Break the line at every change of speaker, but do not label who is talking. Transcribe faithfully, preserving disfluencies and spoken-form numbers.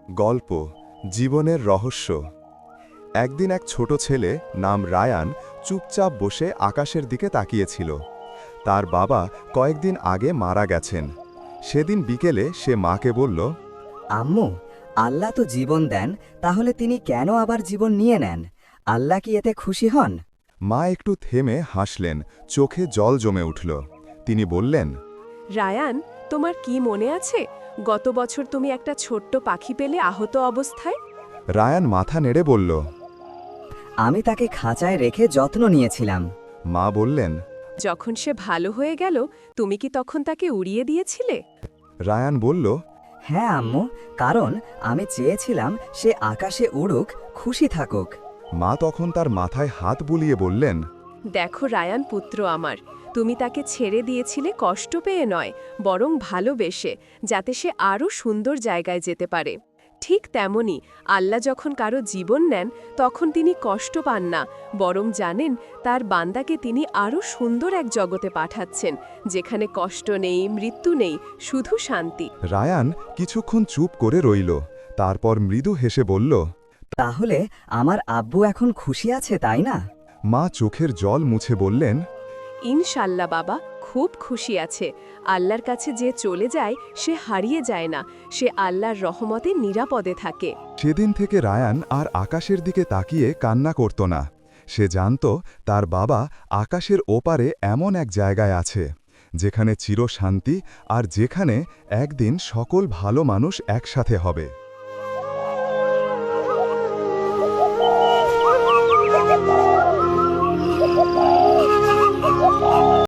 গল্প জীবনের রহস্য। একদিন এক ছোট ছেলে নাম রায়ান চুপচাপ বসে আকাশের দিকে তাকিয়েছিল। তার বাবা কয়েকদিন আগে মারা গেছেন। সেদিন বিকেলে সে মাকে বলল,
আম্মু, আল্লাহ তো জীবন দেন, তাহলে তিনি কেন আবার জীবন নিয়ে নেন? আল্লাহ কি এতে খুশি হন?
মা একটু থেমে হাসলেন, চোখে জল জমে উঠল। তিনি বললেন,
রায়ান, তোমার কি মনে আছে গত বছর তুমি একটা ছোট্ট পাখি পেলে আহত অবস্থায়?
রায়ান মাথা নেড়ে বলল।
আমি তাকে খাঁচায় রেখে যত্ন নিয়েছিলাম।
মা বললেন,
যখন সে ভালো হয়ে গেল তুমি কি তখন তাকে উড়িয়ে দিয়েছিলে?
রায়ান বলল,
হ্যাঁ আম্মু, কারণ আমি চেয়েছিলাম সে আকাশে উড়ুক, খুশি থাকুক।
মা তখন তার মাথায় হাত বুলিয়ে বললেন,
দেখো রায়ান পুত্র আমার, তুমি তাকে ছেড়ে দিয়েছিলে কষ্ট পেয়ে নয়, বরং ভালোবেসে, যাতে সে আরও সুন্দর জায়গায় যেতে পারে। ঠিক তেমনি আল্লাহ যখন কারো জীবন নেন তখন তিনি কষ্ট পান না, বরং জানেন তার বান্দাকে তিনি আরও সুন্দর এক জগতে পাঠাচ্ছেন, যেখানে কষ্ট নেই, মৃত্যু নেই, শুধু শান্তি।
রায়ান কিছুক্ষণ চুপ করে রইল। তারপর মৃদু হেসে বলল,
তাহলে আমার আব্বু এখন খুশি আছে, তাই না?
মা চোখের জল মুছে বললেন,
ইনশাল্লাহ বাবা, খুব খুশি আছে। আল্লাহর কাছে যে চলে যায় সে হারিয়ে যায় না, সে আল্লাহর রহমতে নিরাপদে থাকে।
সেদিন থেকে রায়ান আর আকাশের দিকে তাকিয়ে কান্না করত না। সে জানত তার বাবা আকাশের ওপারে এমন এক জায়গায় আছে, যেখানে চিরশান্তি আর যেখানে একদিন সকল ভালো মানুষ একসাথে হবে।